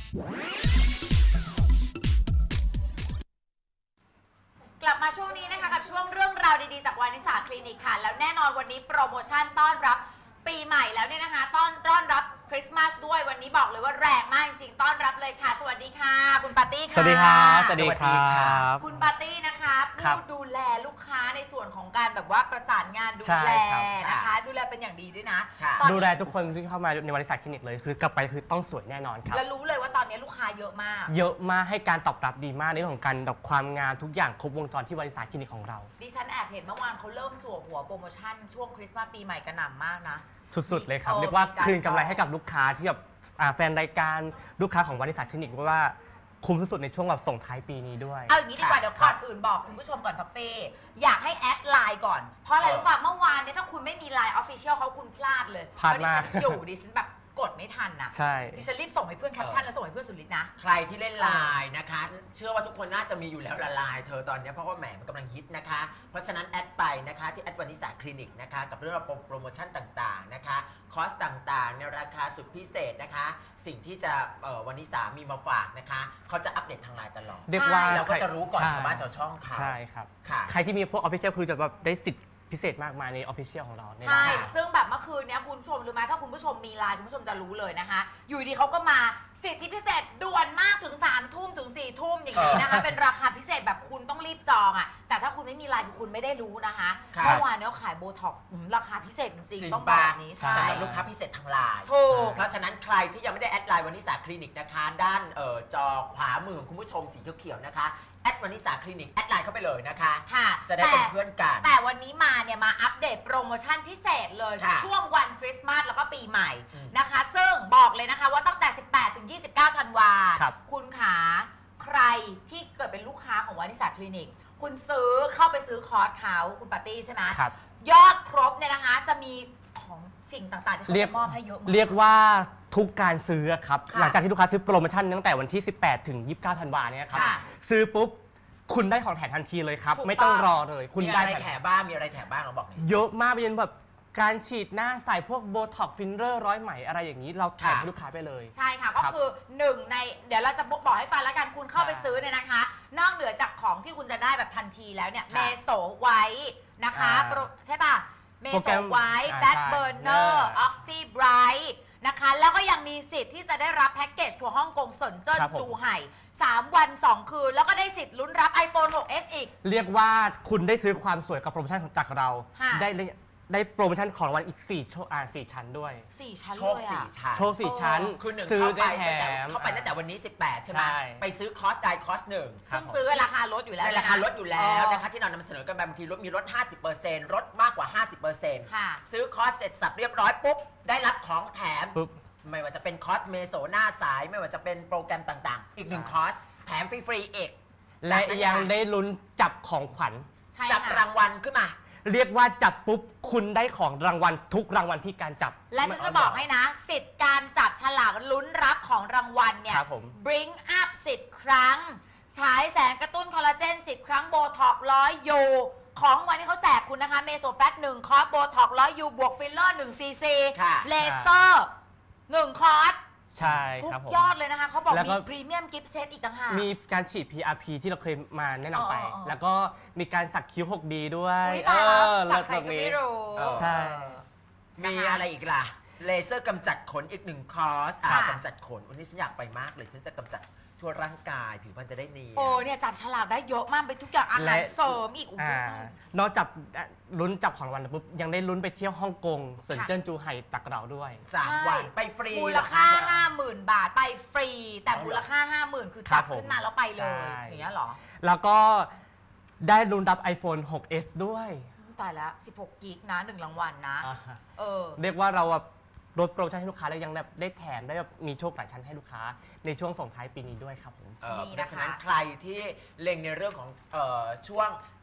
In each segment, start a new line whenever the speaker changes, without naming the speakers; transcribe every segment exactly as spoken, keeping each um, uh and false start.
กลับมาช่วงนี้นะคะกับช่วงเรื่องราวดีๆจากวานิสาคลินิกค่ะแล้วแน่นอนวันนี้โปรโมชั่นต้อนรับปีใหม่แล้วเนี่ยนะคะต้อนต้อนรับคริสต์มาสด้วยวันนี้บอกเลยว่าแรงมากจริงๆต้อนรับเลยค่ะสวัสดีค่ะคุณปาร์ตี้ค่ะ
สวัสดีครับสวัสดีครับ
คุณปาร์ตี้นะคะผู้ดูแลลูกค้าในส่วนของการแบบว่าประสานงานดูแลนะคะดูแลเป็นอย่างดีด้วยนะ
ดูแลทุกคนที่เข้ามาในวานิสาคลินิกเลยคือกลับไปคือต้องสวยแน่นอนครับ
แล้วรู้เลยว่าตอนนี้ลูกค้าเยอะมาก
เยอะมากให้การตอบรับดีมากในเรื่องของการดอกความงามทุกอย่างครบวงจรที่วานิสาคลินิกของเรา
ดิฉันแอบเห็นเมื่อวานเขาเริ่มสัวหัวโปรโมชั่นช่วงคริสต์มาสปีใหม่กระหน่ำมากนะ
สุดๆเลยครับเรียกว่าคืนกำไรให้กับลูกค้าที่แบบแฟนรายการลูกค้าของวานิสาคลินิกว่าคุ้มสุดๆในช่วงแบบส่งท้ายปีนี้ด้วย
เอาอย่างนี้ดีกว่าเดี๋ยวก่อนอื่นบอกคุณผู้ชมก่อนทัฟเฟ่อยากให้แอดไลน์ก่อนเพราะอะไรรู้ป่ะเมื่อวานเนี่ยถ้าคุณไม่มีไลน์ออฟฟิเชียลเขาคุณพลาดเลย
พลาดมาก
ดิฉันอยู่ดิฉันแบบกดไม่ทันนะ
ใช่
ดิฉันรีบส่งให้เพื่อนแคปชั่นแล้วส่งให้เพื่อนสุดฤทธิ์นะ
ใครที่เล่นไลน์นะคะเชื่อว่าทุกคนน่าจะมีอยู่แล้วละไลน์เธอตอนนี้เพราะว่าแหมมันกำลังฮิตนะคะเพราะฉะนั้นแอดไปนะคะที่แอดวานิสาคลินิกนะคะกับเรื่องราวโปรโมชั่นต่างๆนะคะคอสต่างๆในราคาสุดพิเศษนะคะสิ่งที่จะวานิสามีมาฝากนะคะเขาจะอัปเดตทางไลน์ตลอด
เรียกว่า
เราก็จะรู้ก่อนชาวบ้านชาวช่องเขา
ใช่ครับใครที่มีพวกออฟฟิเชียลคือจะแบบได้สิทธิ์พิเศษมากมายในออฟฟิเชียลของเรา
ใช่ซึ่งแบบเมื่อคืนนี้คุณผู้ชมรู้ไหมถ้าคุณผู้ชมมีไลน์คุณผู้ชมจะรู้เลยนะคะอยู่ดีเขาก็มาสิทธิพิเศษด่วนมากถึงสามทุ่มถึงสี่ทุ่มอย่างนี้นะคะเป็นราคาพิเศษแบบคุณต้องรีบจองอ่ะแต่ถ้าคุณไม่มีไลน์คุณไม่ได้รู้นะคะเมื่อวานเนี่ยขายโบท็อกซ์ราคาพิเศษจริงๆต้องบอกนี้ใช่
สำหรับลูกค้าพิเศษทางไลน์
ถูก
เพราะฉะนั้นใครที่ยังไม่ได้แอดไลน์วานิสาคลินิกนะคะด้านจอขวามือของคุณผู้ชมสีเขียวๆนะคะแอดวานิสาคลินิกแอดไลน์เข้าไปเลยนะคะ
ค่ะ
จะได้เป็นเพื่อนกัน
แต่วันนี้มาเนี่ยมาอัปเดตโปรโมชั่นพิเศษเลยช่วงวันคริสต์มาสแล้วก็ปีใหม่นะคะซึ่งบอกเลยนะคะว่าตั้งแต่สิบแปดถึงยี่สิบเก้าธันวาคมคุณขาใครที่เกิดเป็นลูกค้าของวานิสาคลินิกคุณซื้อเข้าไปซื้อคอร์สเขาคุณปาร์ตี้ใช่ไหม
ครับ
ยอดครบเนี่ยนะคะจะมีของสิ่งต่างๆที่เขาจะมอบให้เยอะมาก
เรียกว่าทุกการซื้อครับหลังจากที่ลูกค้าซื้อโปรโมชั่นตั้งแต่วันที่สิบแปดถึงยี่สิบเก้าธันวาเนี่ยครับซื้อปุ๊บคุณได้ของแถมทันทีเลยครับไม่ต้องรอเลย
คุณได้อะไรแถมบ้างมีอะไรแถมบ้างเราบอกหน่อย
เยอะมากเป็นแบบการฉีดหน้าใส่พวกโบท็อกฟิลเลอร์ร้อยไหมอะไรอย่างนี้เราแถมให้ลูกค้าไปเลย
ใช่ค่ะก็คือหนึ่งในเดี๋ยวเราจะบอกให้ฟังแล้วกันคุณเข้าไปซื้อเนี่ยนะคะนอกเหนือจากของที่คุณจะได้แบบทันทีแล้วเนี่ยเมโซไว้นะคะใช่ป่ะเมโซไว้แฟตเบอร์เนอร์ออกซิไบรท์นะคะแล้วก็ยังมีสิทธิ์ที่จะได้รับแพ็กเกจทัวร์ฮ่องกงเซินเจิ้นจูไห่สามวันสองคืนแล้วก็ได้สิทธิ์ลุ้นรับ ไอโฟน หกเอส อีก
เรียกว่าคุณได้ซื้อความสวยกับโปรโมชั่นจากเราได้ได้โปรโมชั่นของวันอีกสี่โชว์อ่าสี่ชั้นด้วย
สี่ชั้น
โชคสี่ชั้น
โชคสี่ชั้น
คือหนึ่ง
ซื้อได้แถม
เข้าไปตั้งแต่วันนี้สิบแปดใช่ไหมไปซื้อคอร์สได้คอร์สหนึ่ง
ซึ่งซื้อราคาลดอยู่แล้ว
ราคาลดอยู่แล้วนะคะที่เรานำเสนอกันบางทีลดมีลด ห้าสิบเปอร์เซ็นต์ ลดมากกว่า ห้าสิบเปอร์เซ็นต์ ซื้อคอร์สเสร็จสับเรียบร้อยปุ๊บได้รับของแถมไม่ว่าจะเป็นคอร์สเมโซหน้าสายไม่ว่าจะเป็นโปรแกรมต่างๆอีกหนึ่งคอร์สแถมฟรีๆอีก
และยังได้ลุ้นจับของขวัญ
จับรางวัลขึ้นมา
เรียกว่าจับปุ๊บคุณได้ของรางวัลทุกรางวัลที่การจับ
และฉันจะบอกให้นะสิทธิ์การจับฉลากลุ้นรับของรางวัลเนี่ย bring up สิบครั้งฉายแสงกระตุ้นคอลลาเจนสิบครั้งโบท็อกร้อยยูของวันที่เขาแจกคุณนะคะเมโซแฟตหนึ่งคอร์สโบท็อกร้อยยูบวกฟิลเลอร์หนึ่งซีซีเลเซอร์หนึ่งคอร์ส
ใช่ครับ
ผมยอดเลยนะคะเขาบอกมีพรีเมียมกิฟต์เซตอีกต่างหาก
มีการฉีด พี อาร์ พี ที่เราเคยมาแนะนำไปแล้วก็มีการสักคิ้ว หกดี ด้วย
เออสักใครก็ไม่รู้
ใช่
มีอะไรอีกล่ะเลเซอร์กำจัดขนอีกหนึ่งคอร์สกำจัดขนวันนี้ฉันอยากไปมากเลยฉันจะกำจัดทั่วร่างกายผิวพรรณจะได้เนียน
โอ้เนี่ยจับฉลากได้เยอะมากไปทุกอย่างอาหารเสริมอีก
นอกจากลุ้นจับของรางวัลปุ๊บยังได้ลุ้นไปเที่ยวฮ่องกงเซินเจิ้นจูไห่ตักเราด้วย
สามวันไปฟรี
มูลค่า ห้าหมื่น บาทไปฟรีแต่มูลค่า ห้าหมื่น คือจับขึ้นมาแล้วไปเลยอย่างเงี้ยหรอ
แล้วก็ได้ลุ้นรับ ไอโฟน หกเอส ด้วย
ตายแล้วสิบหกกิกนะหนึ่งรางวัลนะเออ
เรียกว่าเราลดโปรโมชั่นให้ลูกค้าแล้วยังได้แถมได้มีโชคหลายชั้นให้ลูกค้าในช่วงส่งท้ายปีนี้ด้วยครับผม
เพราะฉะนั้นใครที่เล็งในเรื่องของช่วง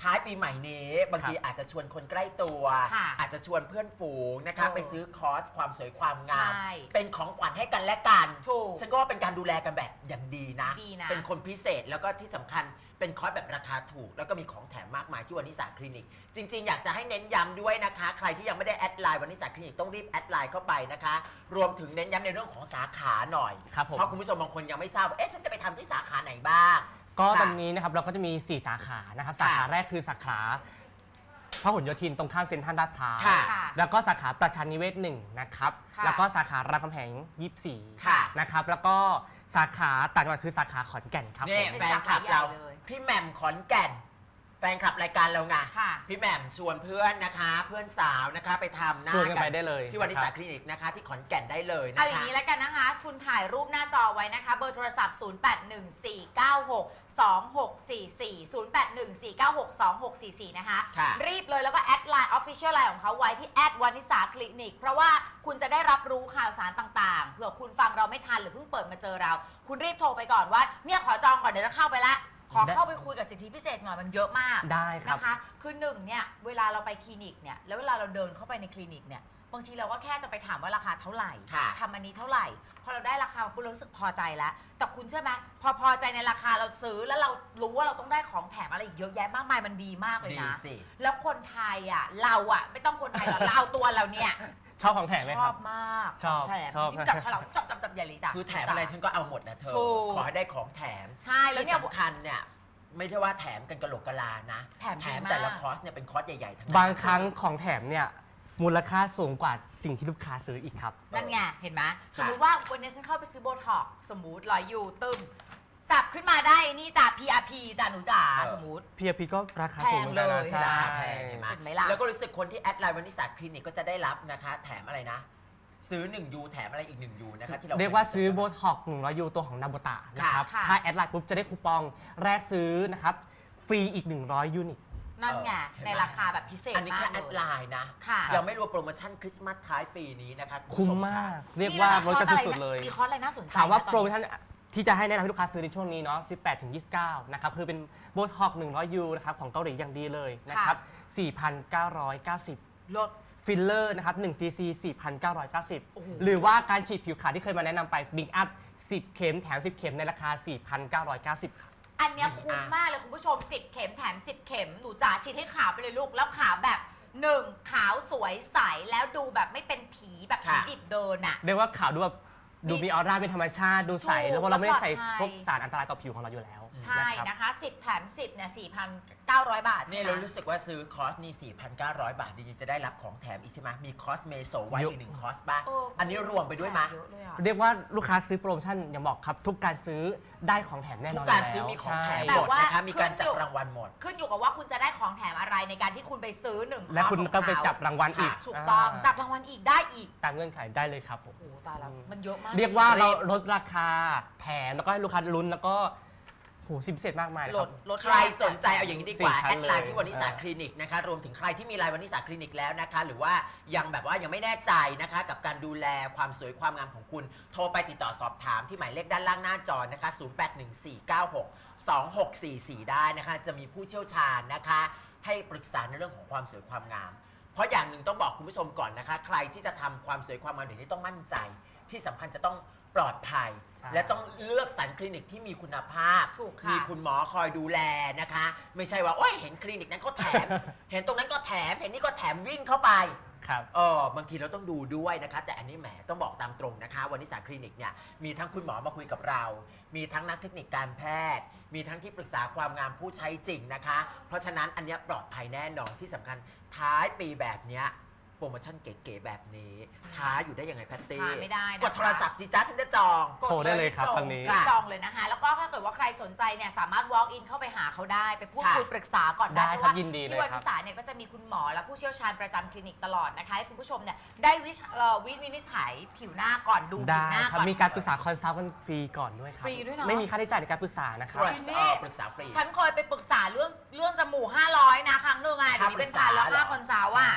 ท้ายปีใหม่นี้บางทีอาจจะชวนคนใกล้ตัว
ค่ะ
อาจจะชวนเพื่อนฝูงนะคะ
เออ
ไปซื้อคอร์สความสวยความงาม
ใช่
เป็นของขวัญให้กันและกัน
ถูก
ฉันก็ว่าเป็นการดูแลกันแบบอย่างดีนะ
ดีนะ
เป็นคนพิเศษแล้วก็ที่สำคัญเป็นคอร์สแบบราคาถูก แล้วก็มีของแถมมากมายที่วานิสาคลินิก จริงๆ อยากจะให้เน้นย้ำด้วยนะคะ ใครที่ยังไม่ได้แอดไลน์วานิสาคลินิกต้องรีบแอดไลน์เข้าไปนะคะ รวมถึงเน้นย้ำในเรื่องของสาขาหน่อย
ครับผม
เพราะคุณผู้ชมบางคนยังไม่ทราบว่าเอ๊ะฉันจะไปทำที่สาขาไหนบ้าง
ก็
ค่ะ
ตอนนี้นะครับเราก็จะมี สี่ สาขานะครับสาขาแรกคือสาขาพหลโยธินตรงข้ามเซ็นทรัลลาดพร้าว
ค่ะ
ค่ะ
แล้วก็สาขาประชานิเวศหนึ่งนะครับ
ค่ะ
แล้วก็สาขารามคำแหงยี่สิบสี่
ค่ะ
นะครับแล้วก็สาขาต่างจังหวัดคือสาขาขอนแก่นครับ
นี่
ผม
แฟนคลับเรา
เป็นสาขาใหญ่เลย
พี่แหม่มขอนแก่น แฟนคลับรายการเราไง
ค่ะ
พี่แหม่มชวนเพื่อนนะคะ เพื่อนสาวนะคะไปทำหน้า
ชวนกันไปได้เลย
ที่วานิสา
นะครับ
คลินิกนะคะ ที่ขอนแก่นได้เลยนะคะ
เอาอย่างนี้แล้วกันนะคะ คุณถ่ายรูปหน้าจอไว้นะคะ เบอร์โทรศัพท์ ศูนย์ แปด หนึ่ง สี่ เก้า หก สอง หก สี่ สี่ ศูนย์ แปด หนึ่ง สี่ เก้า หก สอง หก สี่ สี่ นะคะ
ค่ะ
รีบเลยแล้วก็แอดไลน์ Official Line ของเขาไว้ที่แอดวานิสาคลินิก เพราะว่าคุณจะได้รับรู้ข่าวสารต่างๆ เผื่อคุณฟังเราไม่ทันหรือเพิ่งเปิดมาเจอเรา คุณรีบโทรไปก่อนว่า เนี่ยขอจองก่อนเดี๋ยวจะเข้าไปละ ขอเข้าไปคุยกับสิทธิพิเศษหน่อยมันเยอะมาก
ได้ครับ
นะคะ คือหนึ่งเนี่ยเวลาเราไปคลินิกเนี่ยแล้วเวลาเราเดินเข้าไปในคลินิกเนี่ยบางทีเราก็แค่จะไปถามว่าราคาเท่าไหร่
ค่ะ
ทำอันนี้เท่าไหร่พอเราได้ราคาปุ๊บเรารู้สึกพอใจแล้ว แต่คุณเชื่อไหมพอพอใจในราคาเราซื้อแล้วเรารู้ว่าเราต้องได้ของแถมอะไรอีกเยอะแยะมากมายมันดีมากเลย
ดี
นะ
สิ
แล้วคนไทยอ่ะเราอ่ะไม่ต้องคนไทยหรอก เราตัวเราเนี่ย
ชอบของแถมไหม
ช
ค
อ
รั
บบ มาก
ชอบ
ของแถม
ชอบ
ยิ่งจับฉลากจับจับจับใหญ่เลยจ้ะ
คือแถมอะไรฉันก็เอาหมดนะเธอ
ถูก
ขอให้ได้ของแถม
ใช่แล้ว
ที่
เนี่ย
สำคัญเนี่ยไม่ใช่ว่าแถมกันกระโหลกกะลานะ
แถมดีมาก
แต่ละคอร์สเนี่ยเป็นคอร์สใหญ่ๆทั้งนั้น
บางครั้งของแถมเนี่ยมูลค่าสูงกว่าสิ่งที่ลูกค้าซื้ออีกครับ
นั่นไงเห็นไหมสมมุติว่าวันนี้ฉันเข้าไปซื้อโบท็อกซ์สมมุติร้อยยูตึมจับขึ้นมาได้นี่จ้ะ พี อาร์ พี จ้ะหนูจ๋าสมมุติ
พี อาร์ พี ก็ราคาสูงเหมือนกันนะ
แพงเลย
ใช่
ราคาแพงเห็นไหม
เห็นไหมล่ะ
แล้วก็รู้สึกคนที่แอดไลน์วานิสาคลินิกก็จะได้รับนะคะ แถมอะไรนะ ซื้อหนึ่งยูแถมอะไรอีกหนึ่งยูนะคะที่เรา
เรียกว่าซื้อโบท็อกซ์หนึ่งร้อยยูตัวของนาโบตะนะครับ
ค่ะ
ถ้าแอดไลน์ปุ๊บจะได้คูปองแรกซื้อนะครับฟรีอีกหนึ่งร้อยยูนิต
นั่นไงในราคาแบบพิเศษ
อันนี้
มา
แค่
ก
แอด
เล
ไล
ย
น์นะ
ค่ะ
ยังไม่รวมโปรโมชั่นคริสต์มาสท้ายปีนี้นะคะณ
คุ้ม
ผู้ช
มาก
ะ
เรียกว่าลดกันสุดๆเลย
มีคอร์สอะไรน่าสนใจ
ถามว่า
นะตอนนี้
โปรโมชั่นที่จะให้แนะนำให้ลูกค้าซื้อในช่วงนี้เนาะสิบแปดถึงยี่สิบเก้านะครับคือเป็นโบท็อกซ์หนึ่งร้อยยูนะครับของเกาหลีอย่างดีเลยนะครับ สี่พันเก้าร้อยเก้าสิบ
ลด
ฟิลเลอร์นะครับหนึ่งซีซี สี่พันเก้าร้อยเก้าสิบ
โอ้โห
หรือว่าการฉีดผิวขาวที่เคยมาแนะนำไปบิงอัพสิบเข็มแถมสิบเข็มในราคา สี่พันเก้าร้อยเก้าสิบ ครับ
อันเนี้ยคุ้มมากเลยคุณผู้ชมสิบเข็มแถมสิบเข็มหนูจ๋าฉีดให้ขาวไปเลยลูกแล้วขาวแบบหนึ่งขาวสวยใสแล้วดูแบบไม่เป็นผีแบบผี
ค่ะ
ดิบเดินอ่ะ
เรียกว่าขาวดูแบบดูมีออร่าเป็นธรรมชาติดูใส
ถูก
แล้วเพราะเราไม่ได้ใส่
แล้วปลอดภัย
พวกสารอันตรายต่อผิวของเราอยู่แล้ว
ใช่
นะครับ
นะคะสิบแถมสิบเนี่ยสี่พันเก้าร้อยบาท
นี่
ใช่ไหม
เรารู้สึกว่าซื้อคอร์สนี่ สี่พันเก้าร้อย บาทดีๆจะได้รับของแถมอีกใช่ไหมมีคอร์สเมโซไว้
เยอะ
อีกหนึ่งคอร์สป่ะ
เอออั
อันนี้รวมไปด้วยมั้ย
เยอะเลยอะ
เรียกว่าลูกค้าซื้อโปรโมชั่นอย่างบอกครับ ทุกการซื้อได้ของแถมแน่น
ทุ
อน
กการ
ยู่แล้ว
ซื้อมีของแถม
ใช่
หมดนะคะมีการจับรางวัลหมด
ขึ้นอยู่กับว่าคุณจะได้ของแถมอะไรในการที่คุณไปซื้อหนึ่ง
และคุณ
คอร์ส
ก็
ของ
ไป
เขา
จับรางวัลอีก
ถูกต้อง
า
จับรางวัลอีกได้อีก
ตามเงื่อนไขได้เลยครับผม
โอ้โหตายแล้วมันเยอะมาก
เรียกว่า
รีบ
เราลดราคาแถมแล้วก็ให้ลูกค้าลุ้นแล้วก็โหสิบพิเศษมากมายเลย
ล
ครั
ด
บ
ลด
ใครสนใจเอาอย่างนี้ดีกว่า
สี่ชั้
แอน ดไลน์
เลย
ที่วานิสา
อ่า
คลินิกนะคะรวมถึงใครที่มีไลน์วานิสาคลินิกแล้วนะคะ หรือว่ายังแบบว่ายังไม่แน่ใจนะคะ กับการดูแลความสวยความงามของคุณ โทรไปติดต่อสอบถามที่หมายเลขด้านล่างหน้าจอนะคะ ศูนย์ แปด หนึ่ง สี่ เก้า หก สอง หก สี่ สี่ ได้นะคะ จะมีผู้เชี่ยวชาญนะคะ ให้ปรึกษาในเรื่องของความสวยความงาม เพราะอย่างหนึ่งต้องบอกคุณผู้ชมก่อนนะคะ ใครที่จะทำความสวยความงามเดี๋ยวนี้ต้องมั่นใจ ที่สำคัญจะต้องปลอดภัย
ใช่
และต้องเลือกสรรคลินิกที่มีคุณภาพ
ถูกค่ะ
มีคุณหมอคอยดูแลนะคะ ไม่ใช่ว่าโอ้ยเห็นคลินิกนั้นก็แถม เห็นตรงนั้นก็แถม เห็นนี่ก็แถมวิ่งเข้าไป
ครับ
เออบางทีเราต้องดูด้วยนะคะ แต่อันนี้แหมต้องบอกตามตรงนะคะวานิสาคลินิกเนี่ยมีทั้งคุณหมอมาคุยกับเรา มีทั้งนักเทคนิคการแพทย์ มีทั้งที่ปรึกษาความงามผู้ใช้จริงนะคะ เพราะฉะนั้นอันเนี้ยปลอดภัยแน่นอนที่สำคัญท้ายปีแบบเนี้ยโปรโมชั่นเก๋ๆแบบนี้ช้าอยู่ได้ยังไงแพตตี้
ช้าไม่ได้นะคะ
กดโทรศัพท์สิจ้าฉันจะจอง
โทรได้เลยครับ
ก
ตอนนี้
รีบจองเลยนะคะ แล้วก็ถ้าเกิดว่าใครสนใจเนี่ยสามารถ walk in เข้าไปหาเขาได้ ไปพูด
ค่ะ
คุยปรึกษาก่อน
ได้
ได้
ครับ
เพาะว่า
ยินดีเลย
ที่วัน
ครับ
วิสาเนี่ยก็จะมีคุณหมอและผู้เชี่ยวชาญประจำคลินิกตลอดนะคะให้คุณผู้ชมเนี่ยได้วิชเอ่อวิวินิจฉัยผิวหน้าก่อนดูผิ
ได้
วหน้า
ครับ
ก่อน
มีการปรึกษาคอนซัลท์กันฟรีก่อนด้วยครับ
ฟรีด้วยเนอะ
ไม่มีค่าใช้จ่ายในการปรึกษานะค
ต
รั
ร
บ
วจ
นี่
เอ่อปรึกษาฟรี
ฉันเคยไปปรึกษาเรื่องเรื่องจมูกห้าร้อยนะครั้งหนึ่งอ่ะเดี๋ยวนี้เป็นพันแล้ว
ค่าปรึกษา
ค่าคอนซัลท์อ่ะ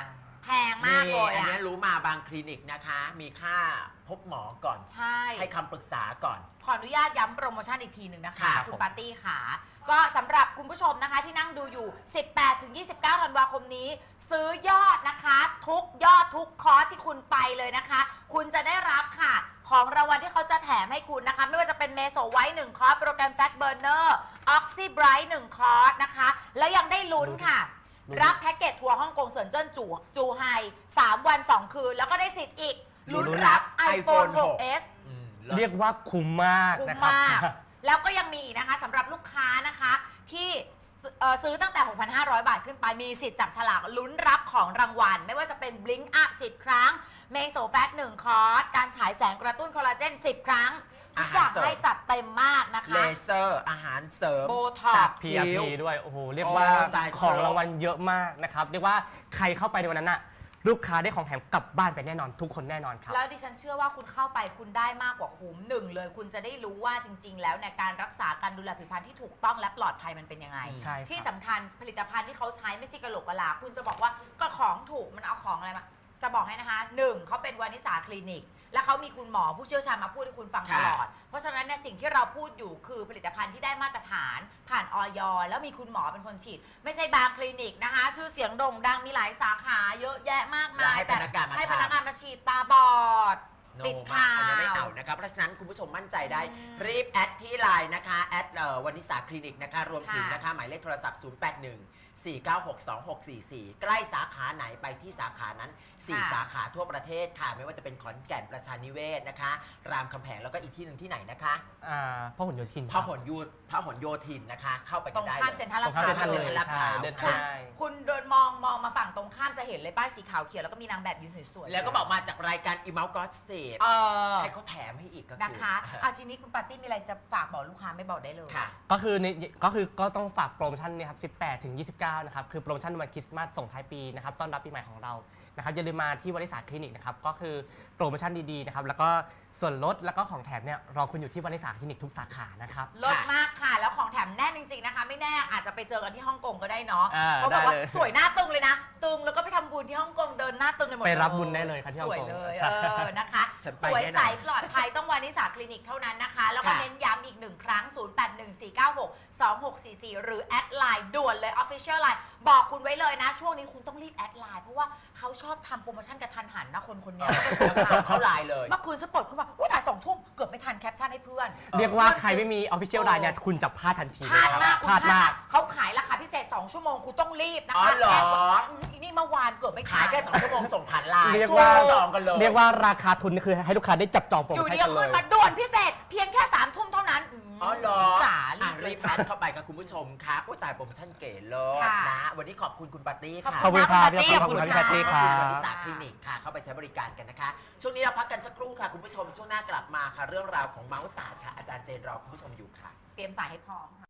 แพงมากเลย
อัน
อะ
นี้รู้มาบางคลินิกนะคะ มีค่าพบหมอก่อน
ใช่
ให้คำปรึกษาก่อน
ขออนุญาตย้ำโปรโมชั่นอีกทีหนึ่งนะคะ
ค่ะ
คุณปาร์ตี้ค่ะก็สำหรับคุณผู้ชมนะคะที่นั่งดูอยู่ สิบแปดถึงยี่สิบเก้า ธันวาคมนี้ ซื้อยอดนะคะ ทุกยอดทุกคอร์สที่คุณไปเลยนะคะ คุณจะได้รับค่ะ ของรางวัลที่เขาจะแถมให้คุณนะคะ ไม่ว่าจะเป็นเมโซไวท์หนึ่งคอร์สโปรแกรมแฟตเบอร์เนอร์ออกซิไบรท์หนึ่งคอร์สนะคะ แล้วยังได้ลุ้นค่ะ รับแพ็กเกจทัวร์ฮ่องกงเซินเจิ้นจูจูไฮสามวันสองคืน แล้วก็ได้สิทธิ์อีกลุ้นรับ iPhone หกเอส
อืม
เรียกว่าคุ้มมาก
คุ้ม
นะครับ
มาก แล้วก็ยังมีอีกนะคะสำหรับลูกค้านะคะที่เอ่อซื้อตั้งแต่ หกพันห้าร้อย บาทขึ้นไป มีสิทธิ์จับฉลากลุ้นรับของรางวัล ไม่ว่าจะเป็น Blink Up สิบ ครั้ง เมโซแฟตหนึ่งคอร์ส การฉายแสงกระตุ้นคอลลาเจน สิบ ครั้ง ทุกอย่างให้จัดเต็มมากนะ
เล
คะ
เซอร์อาหารเสริม
โบท็อกซ์
สัก
พี อาร์
คิ้ว
พี ด้วย โอ้โห เรียกว่า
โอ้ตาย
ของ
ครบ
รางวัลเยอะมากนะครับ เรียกว่าใครเข้าไปในวันนั้นน่ะ ลูกค้าได้ของแถมกลับบ้านไปแน่นอน ทุกคนแน่นอนครับ
แล้วดิฉันเชื่อว่าคุณเข้าไปคุณได้มากกว่าคุ้มหนึ่งเลย คุณจะได้รู้ว่าจริง ๆ แล้วในยการรักษาการดูแลผิวพรรณที่ถูกต้องและปลอดภัยมันเป็นยังไง
ใช่ครับ
ที่สำคัญผลิตภัณฑ์ที่เขาใช้ไม่ใช่กระโหลกกะลาคุณจะบอกว่าก็ของถูกมันเอาของอะไรมาจะบอกให้นะคะหนึ่งเขาเป็นวานิสาคลินิก และเขามีคุณหมอผู้เชี่ยวชาญมาพูดให้คุณฟังตลอด เพราะฉะนั้นเนี่ยสิ่งที่เราพูดอยู่คือผลิตภัณฑ์ที่ได้มาตรฐาน ผ่านออยแล้วมีคุณหมอเป็นคนฉีด ไม่ใช่บางคลินิกนะคะ ชื่อเสียงโด่งดังมีหลายสาขาเยอะแยะมากมาย
แล้วให้พนักงานมา
ให้
ทำ
พนักงานมาฉีดตาบอด
โน
ติด
มาก
ข่าว
อันนี้ไม่เอานะครับ เพราะฉะนั้นคุณผู้ชมมั่นใจได้
อืม
รีบแอดที่ไลน์นะคะ แอดเอ่อวานิสาคลินิกนะคะ รวมถึง
ค่ะ
นะคะ หมายเลขโทรศัพท์ ศูนย์ แปด หนึ่ง สี่ เก้า หก สอง หก สี่ สี่ ใกล้สาขาไหนไปที่สาขานั้น สี่
ค่ะ
สาขาทั่วประเทศค่ะ ไม่ว่าจะเป็นขอนแก่นประชานิเวศนะคะ รามคำแหงแล้วก็อีกที่หนึ่งที่ไหนนะคะ
อ่าพ่อหุ่นโยธิน
พหลโยพหลโยธินนะคะ เข้าไป
ต
กั
ร
น
ง
ได้
ข้าม
เล
เซ็น
ย
ทรัล
ตรงข้ามเซ็นทรัล
ล
เลย
าดพร้าว
ใช่เดิน
คุณ
ง่าย
คุณเดินมองมองมาฝั่งตรงข้ามจะเห็นเลยป้ายสีขาวเขียวแล้วก็มีนางแบบยืนสวยๆ
แล้วก็บอกมาจากรายการอีเมลก็สเตป
เออ
ให้เขาแถมให้อีกก็อ
นะคะเอาทีนี้คุณปาร์ตี้มีอะไรจะฝากบอกลูกค้าไม่บอกได้เลย
ค่ะ
ก็คือในก็คือก็ต้องฝากโปรโมชั่นเนี่ยครับ สิบแปดถึงยี่สิบเก้า นะครับ คือโปรโมชั่นวันคริสต์มาสส่งท้ายปีนะครับ ต้อนรับปีใหม่ของเรา นะครับ อย่าลืมมาที่วานิสาคลินิกนะครับ ก็คือโปรโมชั่นดีๆ นะครับ แล้วก็ส่วนลดแล้วก็ของแถมเนี่ยรอคุณอยู่ที่วานิสาคลินิกทุกสาขา นะครับ
ลดมากค่ะ แล้วของแถมแน่นจริงๆนะคะ ไม่แน่อาจจะไปเจอกันที่ฮ่องกงก็ได้เนาะ
อ่า
เขาบอกว่า
ได้เลย
สวยหน้าตึงเลยนะ ตึงแล้วก็ไปทำบุญที่ฮ่องกงเดินหน้าตึงเลยหมด
ไปรับบุญได้เลยครับที่
ส
ฮ่อง
วย
กง
เลย
ใช่
เออนะคะ
ฉัน
ส
ไป
วย
แน่นอน
ใสปลอดภัยต้องวานิสาคลินิกเท่านั้นนะคะ แล้วก็
ค่ะ
เน้นย้ำอีกหนึ่งครั้ง ศูนย์ แปด หนึ่ง สี่ เก้า หก สอง หก สี่ สี่ หรือแอดไลน์ด่วนเลย Official Line บอกคุณไว้เลยนะ ช่วงนี้คุณต้องรีบแอดไลน์เพราะว่าเขาชอบทำโปรโมชั่นกระทันหันนะคนคนเนี้ย
แล้วก็ส่งเข้าไลน์เลย
เมื่อคืนสปอตขึ้นมาอุ้ยถ่ายสองทุ่มเกือบไม่ทันแคปชั่นให้เพื่อน
เรียกว่าใครไม่มี Official Line เนี่ยคุณจะพลาดทันที
พลาดมาก
พลาดมาก
เขาขายราคาพิเศษ สอง ชั่วโมงคุณต้องรีบนะ
อ๋อ
คะ
เหรอ
แค่ว่าอืมอีนี่เมื่อวานเกือบไม่ทัน
ขายแค่สองชั่วโมงส่งผ่านไลน์
เรียกว่า
จองกันเลย
เรียกว่าราคาทุนนี่คือให้ลูกค้าได้จับจองโปร
อ
โม
ยู่
ชั่น
ดี
กั
ก็
นเล
ขึ้น
ย
มาด่วนพิเศษ เพียงแค่สามทุ่มเท่านั้นม
อ๋อเหรอ
จ๋า
อ่ะ
รี
รี
บบ
แอดเข้าไปกับคุณผู้ชมครับอุ้ยตายโปรโมชั่นเก๋เลย
ค่ะ
นะ วันนี้ขอบคุณคุณปาร์ตี้
ขอบ
ค่ะ
ขอบคุณครับ
ณนะ
ขอบคุณครับพี่แพตตี้
ขอบคุณ
ครั
วั
บ
นิสาคลินิกค่ะ เข้าไปใช้บริการกันนะคะ ช่วงนี้เราพักกันสักครู่ค่ะ คุณผู้ชม ช่วงหน้ากลับมาค่ะ เรื่องราวของเมาส์ศาสตร์ค่ะ อาจารย์เจนรอคุณผู้ชมอยู่ค่ะ
เตรียมสายให้พร้อมค่ะ